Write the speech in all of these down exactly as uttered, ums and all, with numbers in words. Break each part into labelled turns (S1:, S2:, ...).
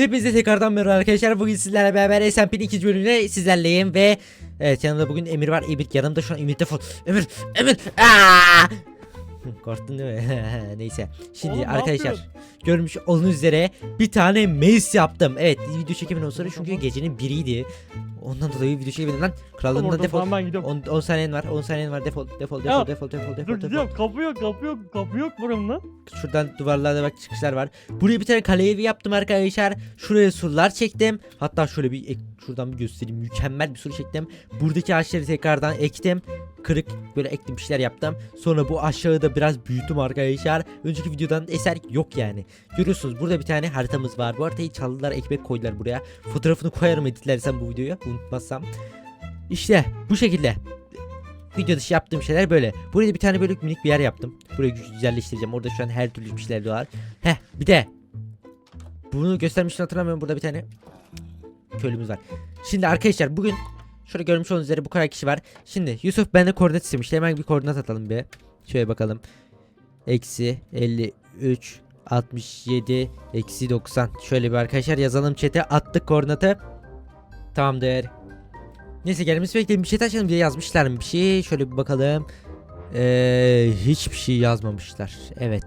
S1: Hepinize tekrardan merhaba arkadaşlar. Bugün sizlerle beraber S M P'nin ikinci bölümünde sizlerleyim ve evet, yanımda bugün Emir var. Emir yanımda şu an. Emir defol. Emir, Emir. Aa! Korktun değil mi? Neyse. Şimdi
S2: Oğlum, ne
S1: arkadaşlar,
S2: yapıyorsun?
S1: görmüş olduğunuz üzere bir tane maze yaptım. Evet, video çekiminden sonra çünkü gecenin biriydi. Ondan dolayı video çekemedim lan. Krallığımdan
S2: Orada
S1: defol.
S2: falan ben gidiyorum.
S1: on, on saniyen var. on saniyen var. Defol. Defol. Defol.
S2: Ya,
S1: Defol. Defol.
S2: Dur
S1: Defol. Defol.
S2: gidiyorum. Kapı yok, kapı yok, kapı yok, kapı yok buramda.
S1: Şuradan duvarlarda bak çıkışlar var. Buraya bir tane kale evi yaptım arkadaşlar. Şuraya surlar çektim. Hatta şöyle bir ek, şuradan bir göstereyim. Mükemmel bir sur çektim. Buradaki ağaçları tekrardan ektim. Kırık böyle ektim, bir şeyler yaptım. Sonra bu aşağıda biraz büyüttüm arkadaşlar. Önceki videodan eser yok yani. Görüyorsunuz burada bir tane haritamız var. Bu haritayı çaldılar, ekmek koydular buraya. Fotoğrafını koyarım editlersem bu videoyu, unutmazsam. İşte bu şekilde. Video dışı yaptığım şeyler böyle. Buraya bir tane böyle minik bir yer yaptım. Burayı güzelleştireceğim. Orada şu an her türlü bir şeyler var. Heh, bir de bunu göstermiştim, hatırlamıyorum. Burada bir tane köylümüz var. Şimdi arkadaşlar, bugün şöyle görmüş olduğunuz üzere bu kadar kişi var. Şimdi Yusuf bende koordinat istemişti. Hemen bir koordinat atalım bir. Şöyle bakalım. Eksi elli üç altmış yedi eksi doksan. Şöyle bir arkadaşlar yazalım chat'e. Attık koordinatı. Tamamdır. Neyse, gelmesi bekleyin, bir şey açalım diye yazmışlar mı bir şey? Şöyle bir bakalım. Ee, hiçbir şey yazmamışlar. Evet.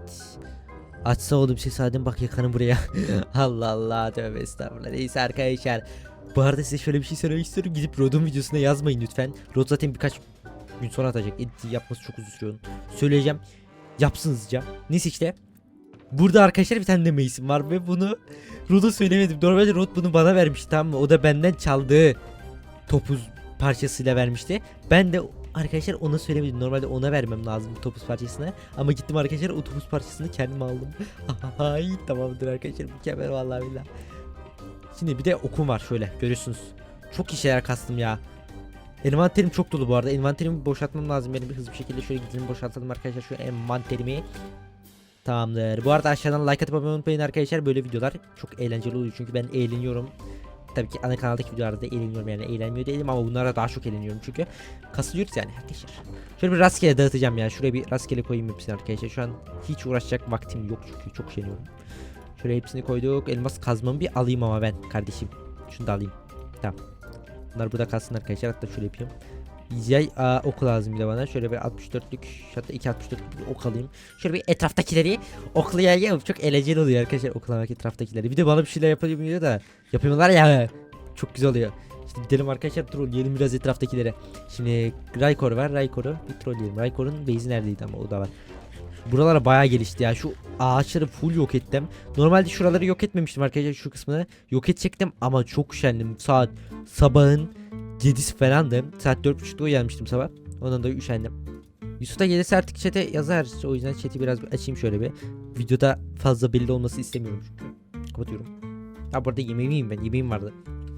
S1: Açsa oğlum ses, hadi bak yakanım buraya. Allah Allah, tövbe estağfurullah. Neyse arkadaşlar, bu arada size şöyle bir şey söylemek istiyorum. Gidip Rod'un videosuna yazmayın lütfen. Rod zaten birkaç gün sonra atacak. Edit yapması çok uzun sürüyor. Söyleyeceğim. Yapsın hızlıca. Neyse işte. Burada arkadaşlar bir tane de Mason var ve bunu Rod'a söylemedim. Normalde Rod bunu bana vermişti, tamam mı? O da benden çaldığı topuz parçasıyla vermişti. Ben de arkadaşlar ona söylemedim. Normalde ona vermem lazım bu topuz parçasını. Ama gittim arkadaşlar, o topuz parçasını kendim aldım. Hay tamamdır arkadaşlar, mükemmel vallahi billahi. Şimdi bir de okum var, şöyle görüyorsunuz. Çok iyi şeyler kastım ya. Envanterim çok dolu bu arada. Envanterimi boşaltmam lazım benim, bir hızlı bir şekilde şöyle gidelim boşaltalım arkadaşlar şu envanterimi. Tamamdır. Bu arada aşağıdan like atıp abone olmayı unutmayın arkadaşlar. Böyle videolar çok eğlenceli oluyor çünkü ben eğleniyorum. Tabii ki ana kanaldaki videolarda eğleniyorum, yani eğlenmiyor değilim ama bunlara daha çok eğleniyorum çünkü kasılıyoruz yani arkadaşlar. Şöyle bir rastgele dağıtacağım ya. Şuraya bir rastgele koyayım hepsini arkadaşlar. Şu an hiç uğraşacak vaktim yok çünkü çok üşeniyorum. Şöyle hepsini koyduk. Elmas kazmamı bir alayım ama ben kardeşim. Şunu da alayım. Tamam. Bunlar burada kalsın arkadaşlar. Hatta şöyle yapayım. Yay aa, ok lazım bir de bana. Şöyle bir altmış dörtlük, hatta iki altmış dörtlük bir ok alayım. Şöyle bir etraftakileri oklayayım. Çok eğlenceli oluyor arkadaşlar oklamak etraftakileri. Bir de bana bir şeyler yapabiliyor da yapıyorlar ya. Çok güzel oluyor. İşte gidelim arkadaşlar, trolleyelim biraz etraftakilere. Şimdi Raykor var. Raykor'u bir trolleyelim. Raykor'un base'i neredeydi ama o da var. Buralara bayağı gelişti ya. Şu ağaçları full yok ettim. Normalde şuraları yok etmemiştim arkadaşlar, şu kısmını. Yok edecektim ama çok üşendim. Saat sabahın yedisi falandı. Saat dört buçukta uyanmıştım sabah. Ondan da üşendim. Yusuf da gelirse artık chat'e yazar. O yüzden chat'i biraz açayım şöyle bir. Videoda fazla belli olması istemiyorum çünkü. Kapatıyorum. Ha, burada yemeğimi yiyeyim ben. Yemeğim vardı.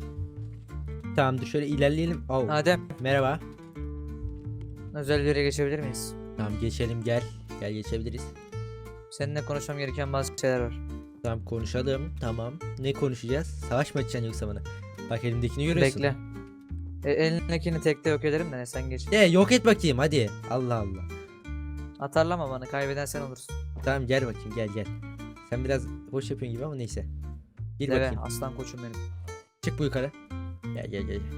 S1: Tamamdır, şöyle ilerleyelim. Oh.
S3: Adem,
S1: Merhaba.
S3: özel bir yere geçebilir miyiz?
S1: Tamam, geçelim, gel. Gel, geçebiliriz.
S3: Seninle konuşmam gereken bazı şeyler var.
S1: Tamam, konuşalım. Tamam. Ne konuşacağız? Savaş mı açacaksın yoksa bana? Bak, elimdekini görüyorsun.
S3: Bekle. E, elindekini tekte yok ederim de ne, sen geç.
S1: De yok et bakayım hadi. Allah Allah.
S3: Atarlama bana, kaybeden sen olursun.
S1: Tamam, gel bakayım, gel gel. Sen biraz boş yapıyorsun gibi ama neyse. Gel
S3: Deve,
S1: bakayım.
S3: aslan koçum benim.
S1: Çık bu yukarı. Gel gel gel.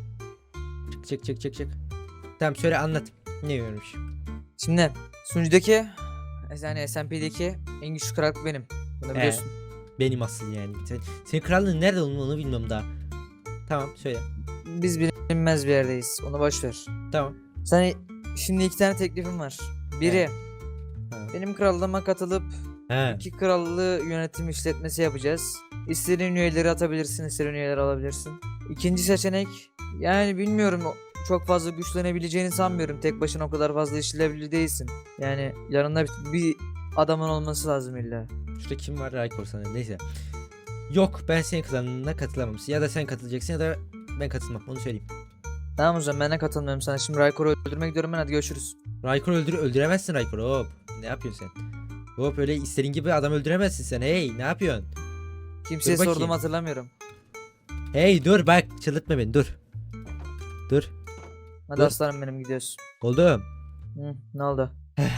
S1: Çık çık çık çık çık. Tamam, söyle, anlat. Ne görmüş?
S3: Şimdi sunucudaki, yani S M P'deki en güçlü krallık benim. Bunu biliyorsun.
S1: Benim asıl yani. Sen, senin krallığın nerede olduğunu onu bilmiyorum daha. Tamam, söyle.
S3: Biz bilinmez bir yerdeyiz. Onu boş ver.
S1: Tamam.
S3: Sana şimdi iki tane teklifim var. Biri,
S1: Ha.
S3: benim krallığıma katılıp
S1: He.
S3: iki krallığı yönetim işletmesi yapacağız. İstediğin üyeleri atabilirsin, istediğin üyeleri alabilirsin. İkinci seçenek, yani bilmiyorum, çok fazla güçlenebileceğini sanmıyorum. Tek başına o kadar fazla işleyebilir değilsin. Yani yanında bir, bir adamın olması lazım illa.
S1: Şurada kim var? Raykor sanırım. Neyse. Yok, ben senin klanına katılamam. Ya da sen katılacaksın ya da ben katılmam. Onu söyleyeyim.
S3: Tamam o zaman, ben de katılmıyorum sana. Şimdi Raykor'u öldürmek gidiyorum ben, hadi görüşürüz.
S1: Raykor öldür öldüremezsin Raykor'u. Hop. Ne yapıyorsun sen? Hop, öyle istediğin gibi adam öldüremezsin sen. Hey, ne yapıyorsun?
S3: Kimseye
S1: Dur bakayım.
S3: sorduğumu hatırlamıyorum.
S1: Hey, dur bak, çıldırtma beni, dur. Dur.
S3: Hadi
S1: Dur.
S3: aslanım benim, gidiyoruz.
S1: Oldum.
S3: Hı, ne oldu?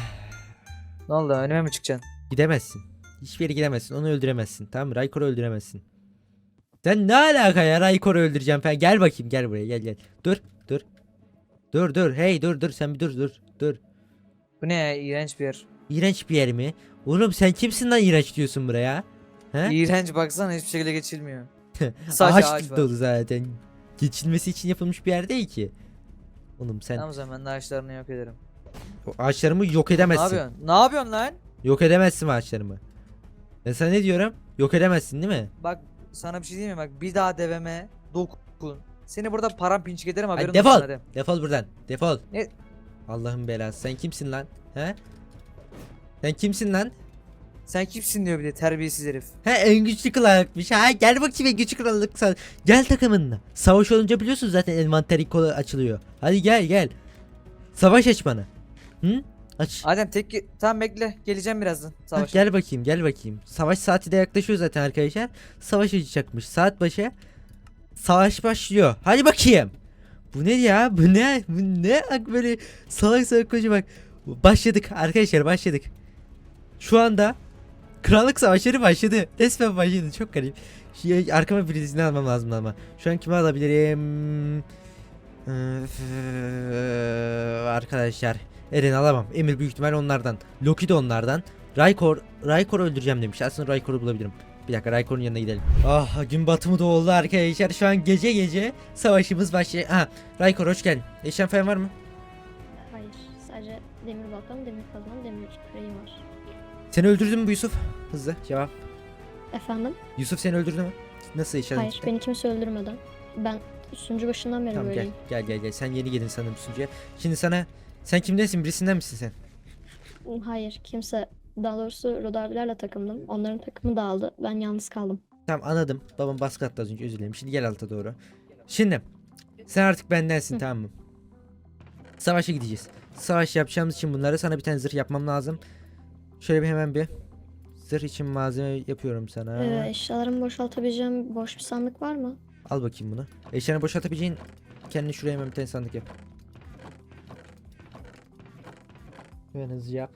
S3: Ne oldu, önüme mi çıkacaksın?
S1: Gidemezsin. Hiçbir yere gidemezsin. Onu öldüremezsin. Tamam mı? Raykor'u öldüremezsin. Sen ne alaka ya, Raykor'u öldüreceğim falan. Gel bakayım, gel buraya, gel gel. Dur dur. Dur dur hey dur dur sen bir dur dur dur.
S3: Bu ne ya, iğrenç bir yer.
S1: İğrenç bir yer mi? Oğlum sen kimsin lan iğrenç diyorsun buraya? He?
S3: İğrenç, baksana hiçbir şekilde geçilmiyor. Sadece ağaç
S1: Ağaç
S3: var.
S1: dolu zaten. Geçilmesi için yapılmış bir yer değil ki. Oğlum sen
S3: Tamam, o zaman ben de ağaçlarını yok ederim.
S1: o ağaçlarımı yok
S3: Ne
S1: edemezsin.
S3: yapıyorsun? Ne yapıyorsun lan?
S1: Yok edemezsin ağaçlarımı. Ben sana ne diyorum? Yok edemezsin değil mi?
S3: Bak sana bir şey diyeyim mi? Bak bir daha deveme dokun. Seni burada parampinçik ederim, haberin
S1: Hadi
S3: olsun
S1: defol.
S3: hadi.
S1: Defol buradan. Defol.
S3: Ne?
S1: Allah'ın belası. Sen kimsin lan? He? Sen kimsin lan?
S3: Sen kimsin diyor bir de, terbiyesiz herif.
S1: He, en güçlü krallıkmış. Ha, gel bakayım en güçlü krallık sen. Gel takımınla. Savaş olunca biliyorsun zaten envanteri kolu açılıyor. Hadi gel gel. Savaş aç bana. Hı? Aç.
S3: Adem tek ge- tamam bekle, geleceğim birazdan
S1: Ha,
S3: savaş.
S1: gel bakayım gel bakayım. Savaş saati de yaklaşıyor zaten arkadaşlar. Savaş açacakmış. Saat başı. Savaş başlıyor. Hadi bakayım. Bu ne ya? Bu ne? Bu ne? Bak böyle salak salak koca bak. Başladık arkadaşlar, başladık. Şu anda krallık savaşları başladı. Resmen başladı. Çok garip. Şey, arkama birisini almam lazım ama. Şu an kimi alabilirim? Öf, arkadaşlar. Eren alamam. Emir büyük ihtimal onlardan. Loki de onlardan. Raykor, Raykor öldüreceğim demiş. Aslında Raykor'u bulabilirim. Bir dakika, Raykor'un yanına gidelim. Ah, gün batımı da oldu arkadaşlar. Şu an gece gece savaşımız başlıyor. Aha, Raykor hoş geldin. Eşyan falan var mı?
S4: Hayır, sadece demir baltam, demir kazmam, demir küreğim var.
S1: Seni öldürdü mü bu Yusuf? Hızlı cevap.
S4: Efendim?
S1: Yusuf seni öldürdü mü? Nasıl eşyan?
S4: Hayır, beni kimse öldürmeden. Ben sunucu başından beri
S1: Tamam gel
S4: böyleyim.
S1: gel gel gel. Sen yeni geldin sanırım sunucuya. Şimdi sana, sen kimdensin? Birisinden misin sen?
S4: Hayır, kimse, daha doğrusu Rod abilerle takımdım. Onların takımı dağıldı. Ben yalnız kaldım.
S1: Tamam anladım. Babam baskı attı az önce, özür dilerim. Şimdi gel alta doğru. Şimdi sen artık bendensin,
S4: Hı.
S1: tamam mı? Savaşa gideceğiz. Savaş yapacağımız için bunları sana bir tane zırh yapmam lazım. Şöyle bir hemen bir zırh için malzeme yapıyorum sana.
S4: Ee, eşyalarımı boşaltabileceğim boş bir sandık var mı?
S1: Al bakayım bunu. Eşyanı boşaltabileceğin, kendini şuraya hemen bir tane sandık yap. Hemen hızlı yap.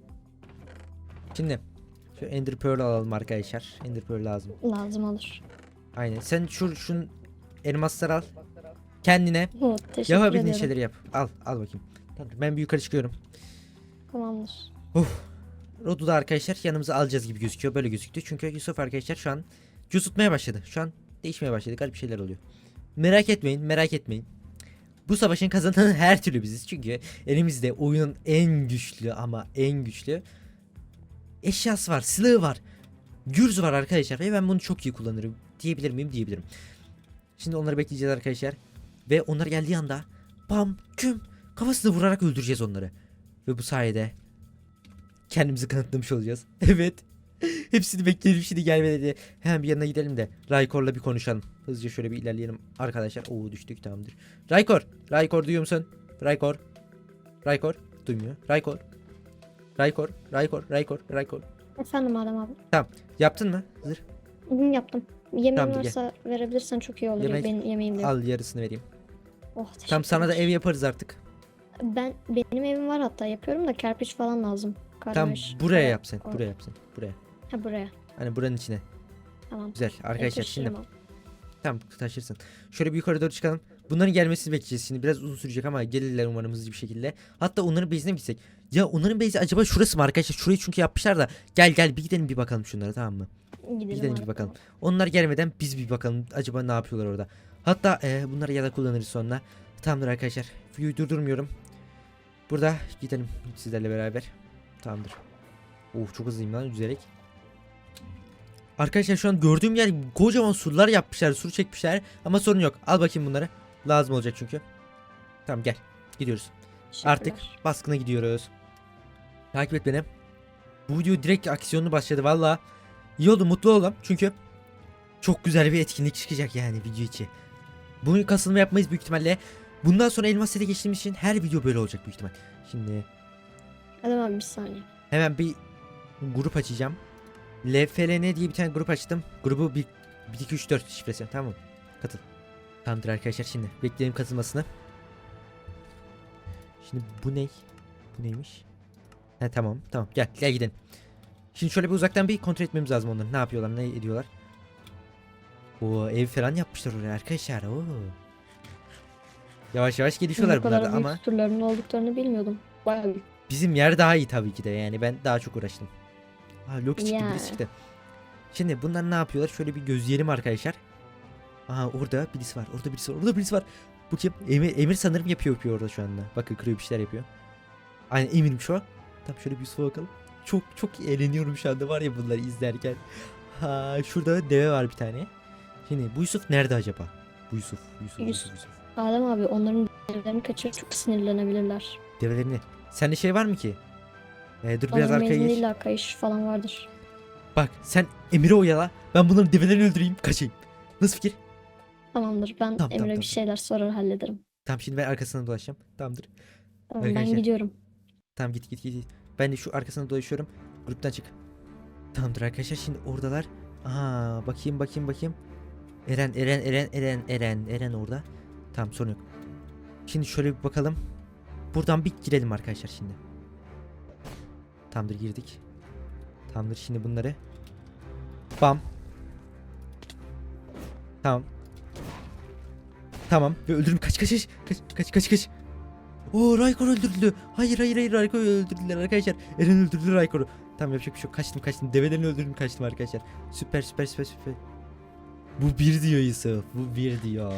S1: Şimdi şu Ender Pearl alalım arkadaşlar. Ender Pearl lazım.
S4: Lazım olur.
S1: Aynen. Sen şu şun elmasları al. Kendine
S4: Hı, teşekkür
S1: yapabildiğin
S4: ederim.
S1: şeyleri yap. Al, al bakayım. Tamam, ben bir yukarı çıkıyorum.
S4: Tamamdır.
S1: Rod'u da arkadaşlar yanımıza alacağız gibi gözüküyor. Böyle gözüktü. Çünkü Yusuf arkadaşlar şu an cüz tutmaya başladı. Şu an değişmeye başladı. Garip şeyler oluyor. Merak etmeyin, merak etmeyin. Bu savaşın kazananı her türlü biziz. Çünkü elimizde oyunun en güçlü ama en güçlü eşyası var, silahı var. Gürz var arkadaşlar ve ben bunu çok iyi kullanırım. Diyebilir miyim? Diyebilirim. Şimdi onları bekleyeceğiz arkadaşlar. Ve onlar geldiği anda bam küm kafasına vurarak öldüreceğiz onları. Ve bu sayede kendimizi kanıtlamış olacağız. Evet. Hepsini bekleyelim, şimdi gelmedi diye. Hemen bir yanına gidelim de Raykor'la bir konuşalım. Hızlıca şöyle bir ilerleyelim arkadaşlar. Oo, düştük, tamamdır. Raykor. Raykor duyuyor musun? Raykor. Raykor. Duymuyor. Raykor. Raykor. Raykor. Raykor. Raykor.
S4: Efendim Adem abi.
S1: Yaptın mı? Zırh.
S4: Hı, yaptım. Yemeğin
S1: Tamam, gel.
S4: varsa verebilirsen çok iyi olur.
S1: Yemek-
S4: Benim yemeğim de yok.
S1: Al, yarısını vereyim.
S4: Oh,
S1: Tam sana da
S4: teşekkürler.
S1: ev yaparız artık.
S4: Ben benim evim var, hatta yapıyorum da kerpiç falan lazım.
S1: Tam
S4: Kardeş,
S1: buraya
S4: oraya-
S1: yap sen.
S4: or-
S1: Buraya yap sen. Buraya.
S4: Ha, buraya.
S1: Hani buranın içine.
S4: Tamam.
S1: Güzel. Arkadaşlar şimdi.
S4: Taşırım abi.
S1: Tamam, taşırsın. Şöyle bir yukarı doğru çıkalım. Bunların gelmesini bekleyeceğiz şimdi. Biraz uzun sürecek ama gelirler umarım hızlı bir şekilde. Hatta onların base'ine mi gitsek? Ya onların base'i acaba şurası mı arkadaşlar? Şurayı çünkü yapmışlar da. Gel gel bir gidelim bir bakalım şunlara, tamam mı?
S4: Gidelim,
S1: Gidelim
S4: abi,
S1: bir bakalım.
S4: tamam.
S1: Onlar gelmeden biz bir bakalım acaba ne yapıyorlar orada. Hatta e, bunları ya da kullanırız sonra. Tamamdır arkadaşlar. Videoyu durdurmuyorum. Burada gidelim sizlerle beraber. Tamamdır. Oh, çok hızlıyım lan yüzerek. Arkadaşlar şu an gördüğüm yer kocaman surlar yapmışlar, sur çekmişler ama sorun yok. Al bakayım bunları. Lazım olacak çünkü. Tamam gel. Gidiyoruz. Artık
S4: Teşekkürler.
S1: baskına gidiyoruz. Takip et beni. Bu video direkt aksiyonlu başladı valla. İyi oldu, mutlu oldum çünkü çok güzel bir etkinlik çıkacak yani video içi. Bugün kasılma yapmayız büyük ihtimalle. Bundan sonra elmas sete geçtiğimiz için her video böyle olacak büyük ihtimal. Şimdi
S4: Adem abi bir saniye.
S1: hemen bir grup açacağım. L F L N diye bir tane grup açtım. Grubu bir iki üç dört şifresi, tamam mı? Katıl. Tamamdır arkadaşlar, şimdi bekleyelim katılmasını. Şimdi bu ne? Bu neymiş? He tamam tamam, gel gel gidelim. Şimdi şöyle bir uzaktan bir kontrol etmemiz lazım onları. Ne yapıyorlar, ne ediyorlar. O ev falan yapmışlar oraya arkadaşlar. Oo. Yavaş yavaş gelişiyorlar
S4: Bu
S1: bunlar
S4: kadar
S1: da
S4: büyük
S1: ama
S4: süturlarının olduklarını bilmiyordum. Bayağı büyük.
S1: bizim yer daha iyi tabii ki de yani ben daha çok uğraştım. Ha Loki çıktı
S4: Ya.
S1: birisi çıktı. Şimdi bunlar ne yapıyorlar? Şöyle bir gözleyelim arkadaşlar. Aha orada birisi var. Orada birisi var. Orada birisi var. Bu kim? Emir, Emir sanırım yapıyor yapıyor orada şu anda. Bakın kırıyor bir şeyler yapıyor. Aynen Emir'im şu an. Tamam şöyle bir Yusuf'a bakalım. Çok çok eğleniyorum şu anda var ya bunları izlerken. Ha şurada deve var bir tane. Şimdi bu Yusuf nerede acaba? Bu Yusuf. Yusuf. Yusuf.
S4: Yusuf.
S1: Yusuf.
S4: Adem abi onların devlerini kaçırıp çok sinirlenebilirler.
S1: Develerini. Sende şey var mı ki? Ee, dur biraz
S4: Onların
S1: arkaya
S4: mezun
S1: geç.
S4: illa kayış falan vardır.
S1: Bak sen Emir'i oyala. Ben bunların develerini öldüreyim. Kaçayım. Nasıl fikir?
S4: Tamamdır, ben
S1: Tamam,
S4: Emre
S1: tamam,
S4: bir
S1: tamam.
S4: şeyler sorar hallederim.
S1: Tamam şimdi ben arkasından dolaşacağım. Tamamdır.
S4: Tamam, ben
S1: Arkadaşlar.
S4: gidiyorum.
S1: Tamam git git git. git. Ben de şu arkasına dolaşıyorum. Gruptan çık. Tamamdır arkadaşlar şimdi oradalar. Aha bakayım bakayım bakayım. Eren Eren Eren Eren Eren Eren orada. Tamam sorun yok. Şimdi şöyle bir bakalım. Buradan bir girelim arkadaşlar şimdi. Tamamdır girdik. Tamamdır şimdi bunları. Bam. Tamam. Tamam ve öldürüm kaç kaç kaç kaç kaç kaç kaç. Oo Raykor öldürüldü. Hayır hayır hayır Raykor öldürdüler arkadaşlar. Eren öldürdü Raykor'u. Tamam yapacak bir şey yok. Kaçtım kaçtım. Develerini öldürdüm kaçtım arkadaşlar. Süper süper süper süper. Bu bir diyor Yusuf. Bu bir diyor.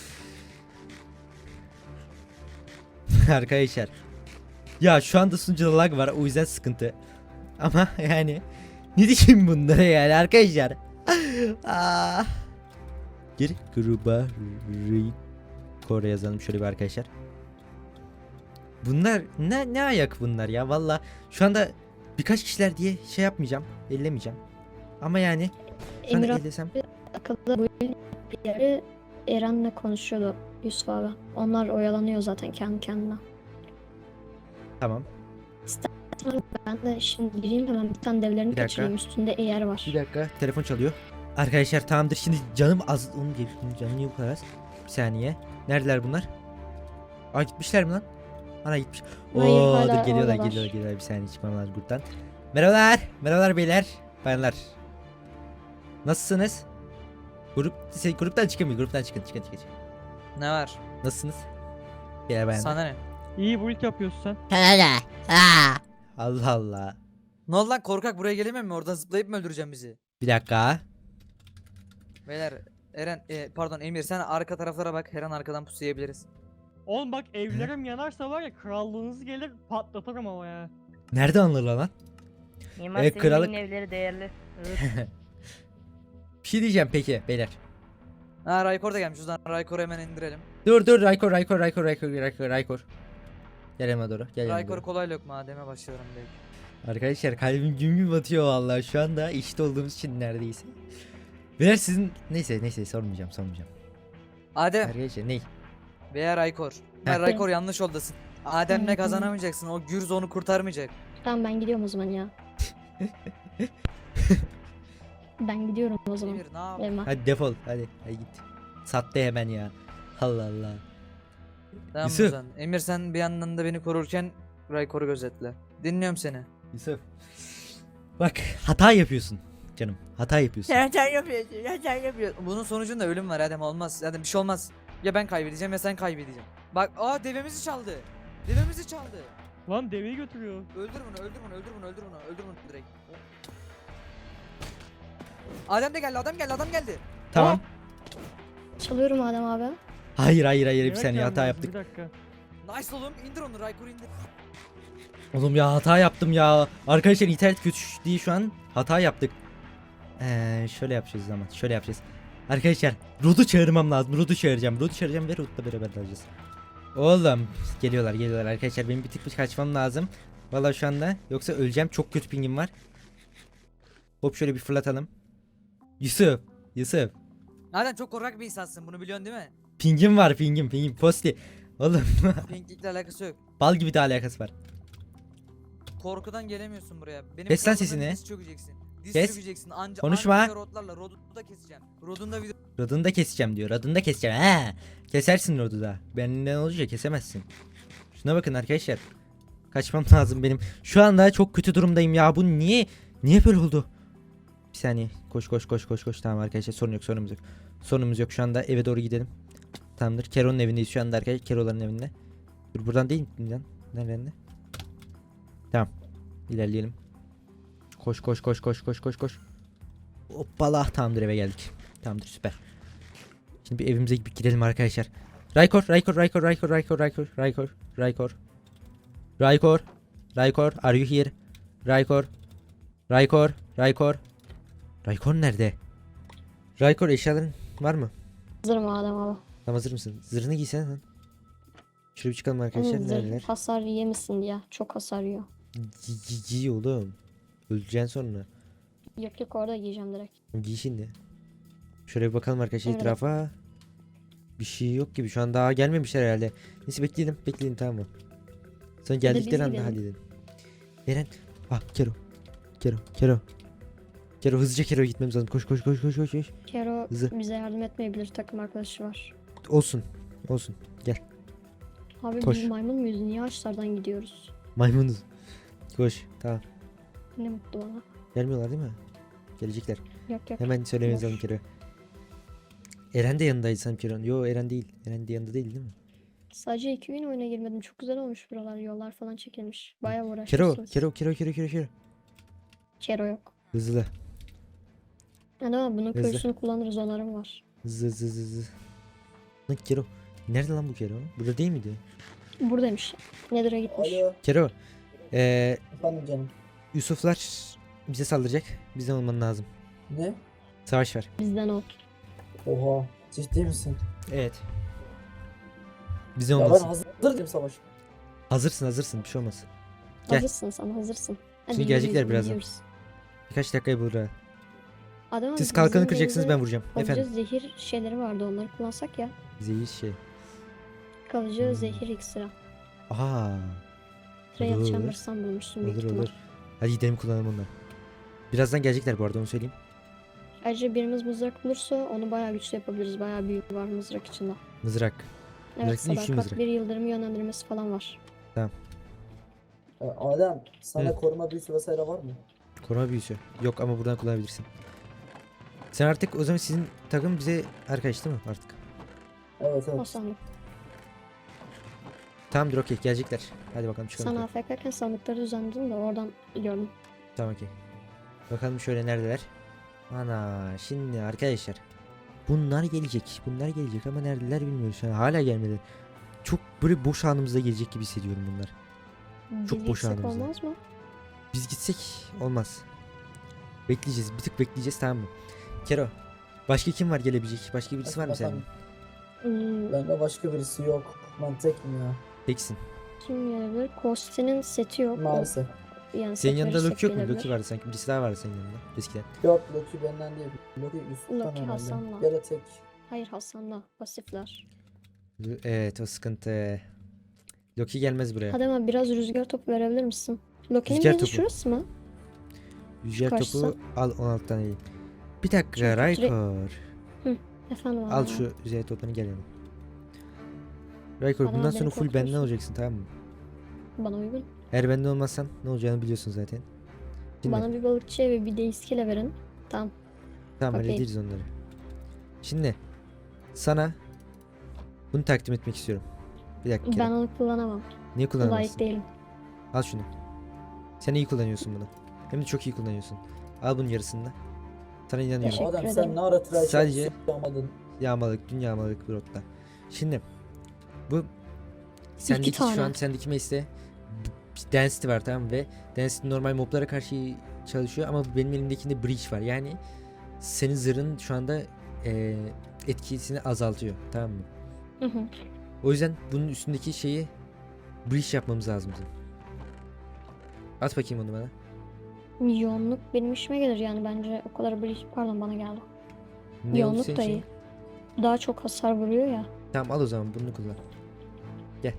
S1: Arkadaşlar. Ya şu anda sunucuda lag var o yüzden sıkıntı. Ama yani ne diyeyim bunlara yani arkadaşlar. Aa. Gir gruba Kore yazalım şöyle bir arkadaşlar. Bunlar ne ne ayak bunlar ya valla şu anda birkaç kişiler diye şey yapmayacağım ellemeyeceğim ama yani şu anda
S4: Emir
S1: ellesem
S4: akıllı bu bir yeri Eren'le konuşuyordu Yusuf abi. Onlar oyalanıyor zaten kendi kendine.
S1: tamam
S4: Ben de şimdi gireyim hemen bir tane devlerini
S1: Bir dakika.
S4: kaçırayım, üstünde eğer var.
S1: bir dakika telefon çalıyor arkadaşlar tamamdır şimdi canım az onu gel canım niye bu kadar az bir saniye neredeler bunlar aa gitmişler mi lan ana gitmiş
S4: Hayır,
S1: Oo
S4: hala
S1: dur geliyorlar
S4: oradalar.
S1: geliyorlar geliyorlar bir saniye çıkmam lazım gruptan merhabalar merhabalar beyler bayanlar nasılsınız grup şey, gruptan çıkın bir gruptan çıkın çıkın çıkın, çıkın.
S3: Ne var?
S1: Nasılsınız? Gel bayanlar.
S3: Sana ne?
S2: İyi bu ilk yapıyorsun sen.
S1: Allah Allah.
S3: Ne oldu lan korkak, buraya gelemem mi? Oradan zıplayıp mı öldüreceğim bizi?
S1: Bir dakika.
S3: Beyler Eren e, pardon Emir sen arka taraflara bak, her an arkadan pusu yiyebiliriz.
S2: Oğlum bak evlerim yanarsa var ya krallığınız gelir patlatırım ama ya.
S1: Nerede anılır lan?
S5: Mimar
S1: Evet,
S5: Sinan'ın
S1: kralık-
S5: evleri değerli.
S2: Evet.
S1: Bir şey diyeceğim peki beyler.
S3: Ha Raykor da gelmiş, o zaman Raykor'u hemen indirelim.
S1: Dur dur Raykor Raykor Raykor Raykor Raykor Raykor. Gel yanıma doğru. Gel yanıma
S3: Raykor
S1: doğru.
S3: kolay lokma Adem'e başlıyorum direkt.
S1: Arkadaşlar kalbim güm güm atıyor vallahi şu anda işte olduğumuz için neredeyse. Beyler sizin neyse neyse sormayacağım sormayacağım.
S3: Adem
S1: Arkadaşlar ney?
S3: veya Raykor. Ha, Raykor yanlış yoldasın. Adem'le kazanamayacaksın, o Gürz onu kurtarmayacak.
S4: Tamam, ben gidiyorum o zaman ya. Ben gidiyorum o zaman.
S3: Emir ne yap?
S4: Evime.
S1: Hadi defol hadi hadi git. Sattı hemen ya. Allah Allah.
S3: Tamam
S1: Yusuf.
S3: o zaman. Emir sen bir yandan da beni korurken Raykor'u gözetle. Dinliyorum seni.
S1: Yusuf. Bak hata yapıyorsun canım. Hata yapıyorsun.
S3: Sen sen yapıyorsun, sen sen yapıyorsun. Bunun sonucunda ölüm var Adem, olmaz. Adem bir şey olmaz. Ya ben kaybedeceğim ya sen kaybedeceğim. Bak aa devemizi çaldı. Devemizi çaldı.
S2: Lan deveyi götürüyor.
S3: Öldür bunu, öldür bunu, öldür bunu, öldür bunu, öldür bunu direkt. Adem de geldi, adam geldi, adam geldi.
S1: Tamam.
S4: Çalıyorum Adem abi.
S1: Hayır hayır hayır bir
S2: Yemek
S1: saniye hata
S2: gelmez,
S1: yaptık.
S2: Bir dakika.
S3: Nice oğlum, indir onu, Raykor'u indir.
S1: Oğlum ya hata yaptım ya. Arkadaşlar internet kötü değil şu an. Hata yaptık. Ee, şöyle yapacağız zaman. Şöyle yapacağız. Arkadaşlar Rod'u çağırmam lazım. Rod'u çağıracağım. Rod'u çağıracağım ve Rod'la beraber alacağız. Oğlum geliyorlar geliyorlar arkadaşlar. Benim bir tık bir kaçmam lazım. Vallahi şu anda yoksa öleceğim. Çok kötü pingim var. Hop şöyle bir fırlatalım. Yusuf. Yusuf.
S3: Adem çok korkak bir insansın, bunu biliyorsun değil mi?
S1: Pingim var pingim pingim. Posti. Oğlum
S3: Pinklikle alakası yok.
S1: bal gibi de alakası var.
S3: Korkudan gelemiyorsun buraya. Benim
S1: Kes lan
S3: krallığımda
S1: sesini.
S3: Diz çökeceksin. Diz
S1: Kes.
S3: çökeceksin. Anca
S1: Konuşma.
S3: anca rodlarla, rodu da keseceğim. Rodun da video.
S1: Rodunu da keseceğim diyor. Rodunu da keseceğim. He. Kesersin Rod'u da. Benden olunca kesemezsin. Şuna bakın arkadaşlar. Kaçmam lazım benim. Şu anda çok kötü durumdayım ya. Bu niye niye böyle oldu? Bir saniye. Koş koş koş koş koş. Tamam arkadaşlar sorun yok sorunumuz yok. Sorunumuz yok şu anda, eve doğru gidelim. Tamamdır. Kero'nun evindeyiz şu anda arkadaşlar. Kero'ların evinde. Dur, buradan değil mi lan? Nereden? Tamam. İlerleyelim. Koş koş koş koş koş koş koş. Hoppala, tamamdır, eve geldik. Tamamdır, süper. Şimdi bir evimize bir girelim arkadaşlar. Raykor, Raykor, Raykor, Raykor, Raykor, Raykor, Raykor, Raykor. Raykor, Raykor, are you here? Raykor, Raykor, Raykor. Raykor nerede? Raykor, eşyaların var mı?
S4: Hazırım Adem abi.
S1: Tamam, hazır mısın? Zırhını giysene lan. Şöyle bir çıkalım arkadaşlar.
S4: Zırh
S1: Neredeler?
S4: hasar yemesin ya. Çok hasar yiyor.
S1: Giy, giy, giy oğlum. Öleceksin sonra.
S4: Yok yok, orada giyeceğim direkt.
S1: Giy şimdi. Şöyle bir bakalım arkadaşlar
S4: Evet.
S1: etrafa. Bir şey yok gibi. Şu an daha gelmemişler herhalde. Neyse, bekleyelim. Bekleyelim, tamam mı? Sonra
S4: de biz
S1: geldikleri anda
S4: gidelim.
S1: halledelim. Eren. Ah, Kero. Kero. Kero. Kero, hızlıca Kero'ya gitmemiz lazım. Koş koş koş koş koş. koş.
S4: Kero
S1: Hızlı.
S4: bize yardım etmeyebilir. Takım arkadaşı var.
S1: Olsun. Olsun. Gel.
S4: Abi
S1: Koş.
S4: biz maymun muyuz? Niye ağaçlardan gidiyoruz?
S1: Maymunuz. Koş. Tamam.
S4: Ne mutlu bana.
S1: Gelmiyorlar değil mi? Gelecekler.
S4: Yok yok.
S1: Hemen söylememiz
S4: Boş.
S1: lazım Kero. Eren de yanındaydı sanırım Kero'nun. Yo, Eren değil. Eren de yanında değil değil mi?
S4: Sadece iki gün oyuna girmedim. Çok güzel olmuş buralar. Yollar falan çekilmiş. Bayağı
S1: Kero.
S4: uğraşmışsınız.
S1: Kero. Kero. Kero. Kero. Kero.
S4: Kero yok.
S1: Hızlı.
S4: Yani ama bunun
S1: Hızlı.
S4: köylüsünü kullanırız, onarım var.
S1: Hızlı hızlı hızlı hızlı. Lan Kero. Nerede lan bu Kero? Burada değil miydi?
S4: Buradaymış. Nether'a gitmiş.
S5: Alo,
S1: Kero. Ee,
S5: efendim canım.
S1: Yusuflar bize saldıracak. Bizden olman lazım.
S5: Ne?
S1: Savaş var.
S4: Bizden ol.
S5: Oha, ciddi misin?
S1: Evet. Bizden
S5: Ya ben
S1: olmasın.
S5: hazır değilim savaş.
S1: Hazırsın hazırsın, bir şey olmaz. Gel.
S4: Hazırsın sen, hazırsın. Hadi
S1: Şimdi gelecekler
S4: yürüyoruz,
S1: birazdan.
S4: gidiyoruz.
S1: Birkaç dakikayı bulur ha.
S4: Adam
S1: Siz kalkanı kıracaksınız, ben vuracağım.
S4: Kalıcı
S1: Efendim.
S4: zehir şeyleri vardı, onları kullansak ya.
S1: Zehir şey.
S4: Kalıcı
S1: Hmm.
S4: zehir iksiri.
S1: Aha.
S4: Trail
S1: Olur.
S4: Chambers'tan bulmuşsun büyük
S1: Olur
S4: ihtimal.
S1: olur. Hadi gidelim, kullanalım onları. Birazdan gelecekler bu arada, onu söyleyeyim.
S4: Ayrıca birimiz mızrak bulursa onu bayağı güçlü yapabiliriz. Bayağı büyük var mızrak içinde.
S1: Mızrak.
S4: Evet,
S1: Mızrak değil, üçlü
S4: sadakat
S1: mızrak.
S4: bir yıldırım yönlendirmesi falan var.
S5: Ee, Adem, sana
S1: Hı.
S5: koruma büyüsü vesaire var mı?
S1: Koruma büyüsü. Yok ama buradan kullanabilirsin. Sen artık o zaman, sizin takım bize arkadaş değil mi artık?
S5: Evet
S4: O
S5: evet.
S4: sandık.
S1: Tamamdır, okey, gelecekler. Hadi bakalım çıkalım.
S4: Sen A F K'ken sandıkları düzenledin de oradan gördüm.
S1: Tamam, okey. Bakalım şöyle neredeler. Ana, şimdi arkadaşlar. Bunlar gelecek. Bunlar gelecek ama neredeler bilmiyoruz. Yani hala gelmedi. Çok böyle boş anımızda gelecek gibi hissediyorum bunlar. Çok
S4: Biz
S1: boş
S4: gitsek
S1: anımızda.
S4: olmaz mı?
S1: Biz gitsek olmaz. Bekleyeceğiz. Bir tık bekleyeceğiz, tamam mı? Kero. Başka kim var gelebilecek? Başka birisi var mı senin?
S5: Efendim,
S4: Hmm,
S5: bende başka birisi yok. Ben tekim ya.
S1: Teksin.
S4: kim gelebilir? Kosti'nin seti yok. O-
S5: Maalesef.
S4: Yani
S1: Senin
S4: set
S1: yanında
S4: verirsek
S1: Loki yok mu?
S4: gelebilir.
S1: Loki vardı sanki. Birisi daha vardı senin yanında. Eskiden.
S5: Yok, Loki benden değil. Loki Yusuf'tan
S4: Loki
S5: herhalde.
S4: Hasan'la.
S5: Ya da tek.
S4: Hayır, Hasan'la pasifler.
S1: Evet, o sıkıntı. Loki gelmez buraya.
S4: Hadi ama biraz rüzgar topu verebilir misin? Loki'nin
S1: Rüzgar
S4: bezi
S1: topu.
S4: şurası mı?
S1: Rüzgar
S4: Karşısı.
S1: topu al, on altı tane değil. Bir dakika
S4: Çünkü
S1: Raykor.
S4: Efendim
S1: Al
S4: abi.
S1: şu rüzgar topunu, gel yanıma. Raykor,
S4: Adam
S1: bundan
S4: beni
S1: sonra full benden
S4: korkuyorsun.
S1: olacaksın, tamam mı?
S4: Bana uygun.
S1: Eğer benden olmazsan ne olacağını biliyorsun zaten. Şimdi,
S4: Bana bir balıkçı ve bir de iskele verin. Tamam.
S1: tamam,
S4: okey.
S1: hallederiz onları. Şimdi sana bunu takdim etmek istiyorum. Bir dakika.
S4: Ben
S1: Kerem.
S4: onu kullanamam.
S1: Niye
S4: Layık
S1: kullanamazsın?
S4: değilim.
S1: Al şunu. Sen iyi kullanıyorsun bunu. Hem de çok iyi kullanıyorsun. Al bunun yarısını da. Sana inanıyorum.
S4: Teşekkür
S5: Adem
S4: ederim.
S5: sen ne ara tıraş
S1: Sadece-
S5: yapamadın?
S1: Yağmalık, dün yağmalık bir rotta. Şimdi bu sendeki
S4: tane.
S1: şu an sendeki mesle bir density var, tamam mı? Ve density normal moblara karşı çalışıyor ama benim elimdekinde breach var. Yani senin zırhın şu anda eee, etkisini azaltıyor, tamam mı?
S4: Hı hı.
S1: O yüzden bunun üstündeki şeyi breach yapmamız lazım bizim. At bakayım onu bana.
S4: Yoğunluk benim işime gelir yani, bence o kadar bir pardon bana geldi.
S1: Ne oldu
S4: Yoğunluk
S1: senin
S4: da
S1: için?
S4: iyi. Daha çok hasar vuruyor ya.
S1: Tamam, al o zaman bunu kullan. Gel.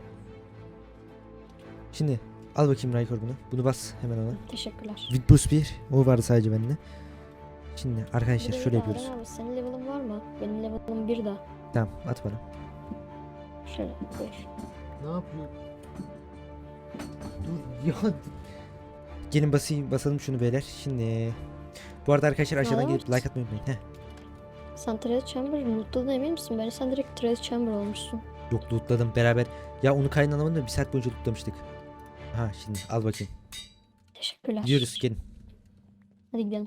S1: Şimdi al bakayım Raykor bunu. Bunu bas hemen ona.
S4: Teşekkürler.
S1: With boost bir. O vardı sadece bende. Şimdi
S4: Bir
S1: arkadaşlar
S4: de
S1: şöyle
S4: bir de
S1: yapıyoruz.
S4: Adem abi, senin level'ın var mı? Benim level'ım bir de.
S1: Tamam, at bana.
S4: Şöyle buyur.
S1: Ne yapıyor? Dur ya. Gelin basayım, basalım şunu beyler. Şimdi bu arada arkadaşlar aşağıdan
S4: Aa,
S1: gelip
S4: evet.
S1: like atmayı unutmayın. Heh.
S4: Sen Treasure Chamber lootladın emin misin? Bence sen direkt Treasure Chamber olmuşsun.
S1: Yok lootladım beraber. Ya onu kaynanamadım da bir saat boyunca lootlamıştık. Ha şimdi al bakayım.
S4: Teşekkürler.
S1: Gidiyoruz gelin.
S4: Hadi gidelim.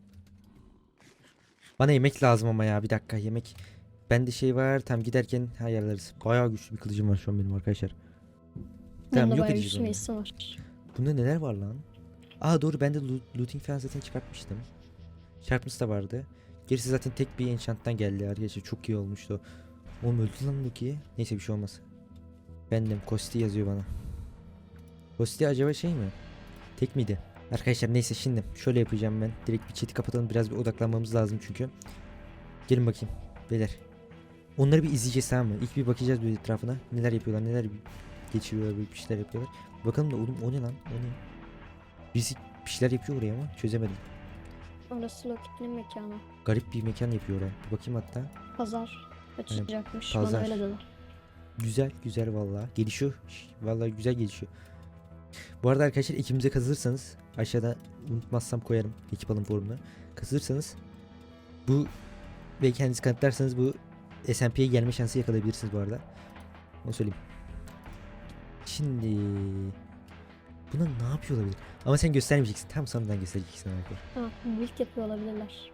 S1: Bana yemek lazım ama ya bir dakika yemek. Bende şey var tam giderken ayarlarız. Bayağı güçlü bir kılıcım var şu an benim arkadaşlar.
S4: Benim de
S1: yok
S4: bayağı
S1: edeceğiz
S4: güçlü
S1: onu.
S4: meclisim var.
S1: Bunda neler var lan? Aa doğru ben de loo- looting falan zaten çıkartmıştım. Sharpness da vardı. Gerisi zaten tek bir enchant'tan geldi arkadaşlar. Çok iyi olmuştu. Oğlum öldü lan Loki. Neyse bir şey olmaz. Bendim. Kosti yazıyor bana. Kosti acaba şey mi? Tek miydi? Arkadaşlar neyse şimdi şöyle yapacağım ben. Direkt bir chat'i kapatalım. Biraz bir odaklanmamız lazım çünkü. Gelin bakayım. Beyler. Onları bir izleyeceğiz tamam mı? İlk bir bakacağız bir etrafına. Neler yapıyorlar, neler geçiriyorlar, bir şeyler yapıyorlar. Bakalım da oğlum o ne lan? O ne? Birisi bir şeyler yapıyor oraya ama çözemedim.
S4: Orası Loki'nin mekanı.
S1: Garip bir mekan yapıyor oraya. Bir bakayım hatta.
S4: Pazar açılacakmış.
S1: pazar.
S4: Bana öyle dedi.
S1: Güzel güzel vallahi. Gelişiyor. Şş, Vallahi güzel gelişiyor. Bu arada arkadaşlar ekibimize katılırsanız aşağıda unutmazsam koyarım ekip alım forumuna. Katılırsanız bu ve kendinizi kanıtlarsanız bu S M P'ye gelme şansı yakalayabilirsiniz bu arada. Onu söyleyeyim. Şimdi buna ne yapıyor olabilir? Ama sen göstermeyeceksin. Tam sonradan göstereceksin arkadaşlar.
S4: Ha, build yapıyor olabilirler.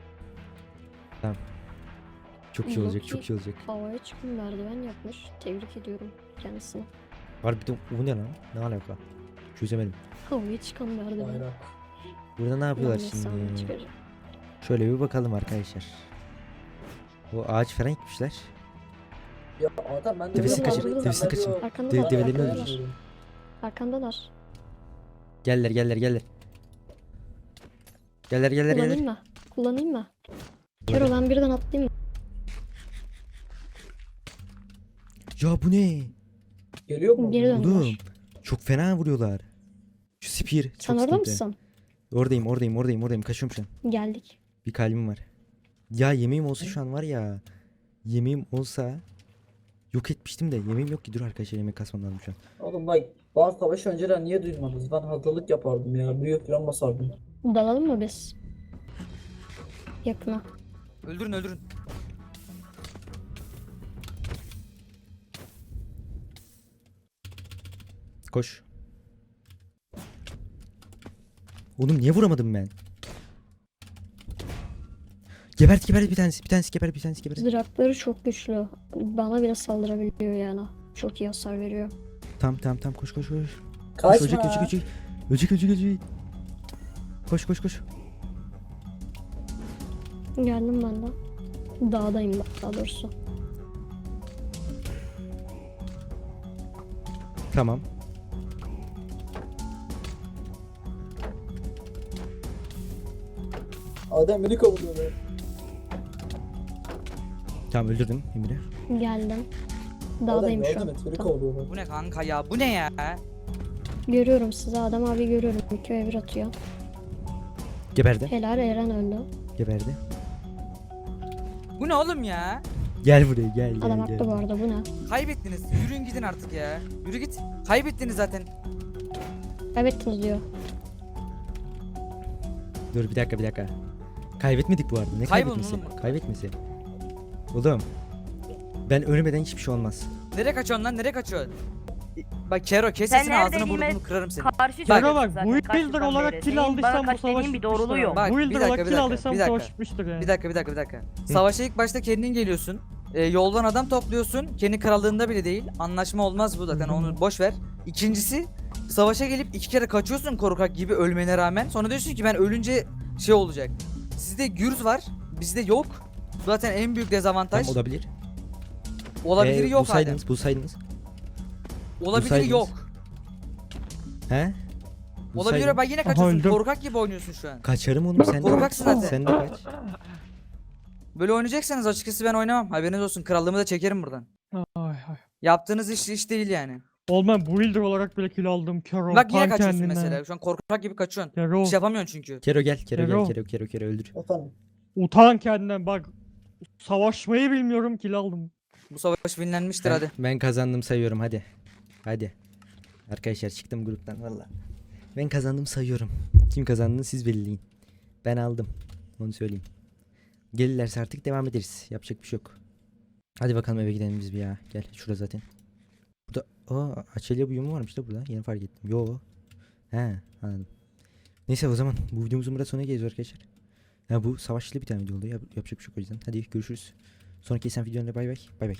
S1: Çok iyi olacak,
S4: Loki-
S1: çok iyi olacak.
S4: Havaya çıkın merdiven yapmış. Tebrik ediyorum kendisini.
S1: Harbiden bu ne lan? Ne alaka? Çözemedim.
S4: Havaya çıkan merdiven.
S5: Bayrak.
S1: Burada ne yapıyorlar
S4: Ulan ne sahne
S1: şimdi?
S4: çıkaracak.
S1: Şöyle bir bakalım arkadaşlar. Bu ağaç falan gitmişler.
S5: Ya adam ben de
S1: Devesini
S5: böyle
S4: kaçır,
S5: kaldırdım,
S1: devesini
S5: ben
S1: kaçır.
S5: diyor,
S4: Arkanda
S1: Dev-
S4: da
S1: develerini
S4: arkandalar.
S1: öldürür.
S4: Arkandalar.
S1: Geller geller geller. Geller geller
S4: Kullanayım
S1: geller.
S4: mı? Kullanayım mı? Kero ben birden atlayayım mı?
S1: Ya bu ne?
S5: Geliyor mu?
S4: Geri dön.
S1: Oğlum çok fena vuruyorlar. Şu spear çok
S4: Sen orada
S1: sıkıntı.
S4: mısın?
S1: Oradayım oradayım oradayım oradayım kaçıyorum şu an.
S4: Geldik.
S1: Bir kalbim var. Ya yemeğim olsa şu an var ya. Yemeğim olsa yok etmiştim de yemeğim yok ki dur arkadaşlar yemek kasmam lazım şu an.
S5: Oğlum bak bazı savaş önceden niye duymadınız? Ben hazırlık yapardım ya. Büyük falan basardım.
S4: Dalalım mı biz? Yakına.
S3: Öldürün öldürün.
S1: Koş. Oğlum niye vuramadım ben? Gebert gebert bir tanesi bir tanesi gebert bir tanesi gebert.
S4: Zırhları çok güçlü. Bana bile saldırabiliyor yani. Çok iyi hasar veriyor.
S1: Tamam tamam tamam koş koş koş. Koş
S5: Kaçma.
S1: ölecek ölecek ölecek. Ölecek ölecek ölecek. Koş koş koş.
S4: Geldim ben de. Dağdayım daha doğrusu.
S1: Tamam.
S5: Adem beni kovalıyor be.
S1: Tamam öldürdüm Emre.
S4: Geldim.
S5: Adem
S4: Dağdayım şu
S5: yardım
S4: an.
S5: et beni
S4: Tamam.
S5: kovalıyorlar.
S3: Bu ne kanka ya? Bu ne ya?
S4: Görüyorum sizi. Adam abi görüyorum. iki ve bir atıyor.
S1: Geberdi.
S4: Helal Eren öldü.
S1: Geberdi.
S3: Bu ne oğlum ya?
S1: Gel buraya gel gel
S4: Adam
S1: gel.
S4: haklı bu arada. Bu ne?
S3: Kaybettiniz. Yürüyün gidin artık ya. Yürü git. Kaybettiniz zaten.
S4: Kaybettiniz diyor.
S1: Dur bir dakika bir dakika. Kaybetmedik bu arada. Ne
S3: Kaybolun
S1: kaybetmesi?
S3: oğlum.
S1: Kaybetmesi. Oğlum. Ben ölmeden hiçbir şey olmaz.
S3: Nereye kaçıyorsun lan? Nereye kaçıyorsun? Bak Kero kes
S6: Sen
S3: sesini ağzını
S6: neredeyim
S3: burnunu kırarım seni.
S6: Karşı
S2: Kero
S6: çıkıyorsun
S2: bak
S6: zaten,
S2: bu
S6: kaç
S2: builder
S6: yıldan
S2: olarak
S6: beri.
S2: kill
S6: Senin
S2: aldıysam
S6: bana
S2: bu
S6: kaç
S2: savaş
S6: dediğin bir
S2: bitmiştir
S6: doğruluğu
S2: ha.
S6: yok.
S3: Bak,
S2: Bu
S3: bir
S2: builder
S3: dakika,
S2: olarak
S3: bir
S2: kill
S3: dakika,
S2: aldıysam
S3: bir
S2: bu savaş
S3: dakika.
S2: bitmiştir yani.
S3: Bir dakika bir dakika bir dakika. Savaşa ilk başta kendin geliyorsun. Ee, yoldan adam topluyorsun. Kendi krallığında bile değil. Anlaşma olmaz bu zaten onu boş ver. İkincisi savaşa gelip iki kere kaçıyorsun korkak gibi ölmene rağmen. Sonra diyorsun ki ben ölünce şey olacak. Sizde gürz var. Bizde yok. Zaten en büyük dezavantaj.
S1: Tamam olabilir.
S3: Olabiliri
S1: Ee,
S3: yok hala.
S1: bulsaydınız, bulsaydınız.
S3: Olabiliri
S1: bulsaydınız.
S3: yok.
S1: He?
S3: Olabilir
S1: Bulsaydın.
S3: bak yine kaçıyorsun.
S2: öldüm.
S3: Korkak gibi oynuyorsun şu an.
S1: Kaçarım oğlum sen de.
S3: Korkaksın zaten.
S1: Sen de kaç.
S3: Böyle oynayacaksanız açıkçası ben oynamam. Haberiniz olsun. Krallığımı da çekerim buradan.
S2: Ay ay.
S3: Yaptığınız iş iş değil yani.
S2: Oğlum ben builder olarak bile kill aldım. Kero.
S3: Bak yine
S2: tam
S3: kaçıyorsun
S2: kendine.
S3: mesela. Şu an korkak gibi kaçıyorsun.
S2: Kero.
S3: Bir şey yapamıyorsun çünkü.
S1: Kero gel, Kero
S2: Kero.
S1: gel, Kero Kero Kero öldür.
S5: Efendim.
S2: Utan kendinden bak. Savaşmayı bilmiyorum kill aldım.
S3: Bu savaş winlenmiştir
S1: Ben,
S3: hadi.
S1: ben kazandım sayıyorum hadi. Hadi. Arkadaşlar çıktım gruptan valla. Ben kazandım sayıyorum. Kim kazandığını siz belirleyin. Ben aldım. Onu söyleyeyim. Gelirlerse artık devam ederiz. Yapacak bir şey yok. Hadi bakalım eve gidelim biz bir ya. Gel şurada zaten. Burada aa Açelya buyumu varmış da burada. Yeni fark ettim. Yo. He anladım. Neyse o zaman bu videomuzun burada sonuna geliyoruz arkadaşlar. Ya bu savaşlı bir tane video oldu. Yap- yapacak bir şey yok o yüzden. Hadi görüşürüz. Sonraki esen videonda bay bay. Bay bay.